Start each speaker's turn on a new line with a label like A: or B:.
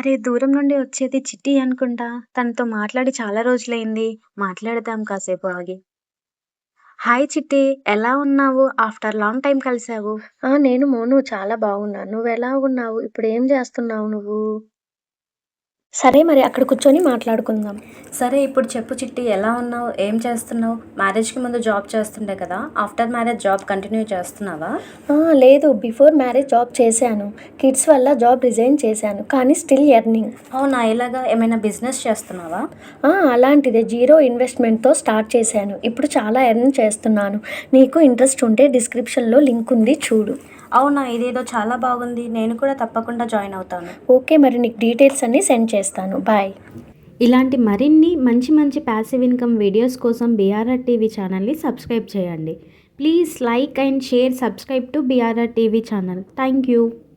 A: అరే! దూరం నుండి వచ్చేది చిట్టి అనుకుంటా. తనతో మాట్లాడి చాలా రోజులైంది. మాట్లాడదాం కాసేపు ఆగి. హాయ్ చిట్టి. ఎలా ఉన్నావు? ఆఫ్టర్ లాంగ్ టైమ్ కలిసావు.
B: నేను మోను చాలా బాగున్నాను. నువ్వెలా ఉన్నావు? ఇప్పుడేం జేస్తున్నావు నువ్వు? సరే మరి అక్కడ కూర్చొని మాట్లాడుకుందాం.
A: సరే ఇప్పుడు చెప్పు చిట్టి ఎలా ఉన్నావు? ఏం చేస్తున్నావు? మ్యారేజ్‌కి ముందు జాబ్ చేస్తుండే కదా! ఆఫ్టర్ మ్యారేజ్ జాబ్ కంటిన్యూ చేస్తున్నావా?
B: లేదు. బిఫోర్ మ్యారేజ్ జాబ్ చేశాను. కిడ్స్ వల్ల జాబ్ రిజైన్ చేశాను. కానీ స్టిల్ ఎర్నింగ్.
A: అవునా! ఎలాగా? ఏమైనా బిజినెస్ చేస్తున్నావా?
B: అలాంటిదే జీరో ఇన్వెస్ట్‌మెంట్‌తో స్టార్ట్ చేశాను. ఇప్పుడు చాలా ఎర్న్ చేస్తున్నాను. నీకు ఇంట్రెస్ట్ ఉంటే డిస్క్రిప్షన్‌లో లింక్ ఉంది చూడు.
A: అవునా! ఇదేదో చాలా బాగుంది. నేను కూడా తప్పకుండా జాయిన్ అవుతాను.
B: ఓకే. మరి నీకు డీటెయిల్స్ అన్నీ సెండ్ చేస్తాను. బాయ్.
C: ఇలాంటి మరిన్ని మంచి మంచి ప్యాసివ్ ఇన్కమ్ వీడియోస్ కోసం బీఆర్ఆర్ టీవీ ఛానల్ని సబ్స్క్రైబ్ చేయండి. Please like and share subscribe to BRR TV channel. Thank you.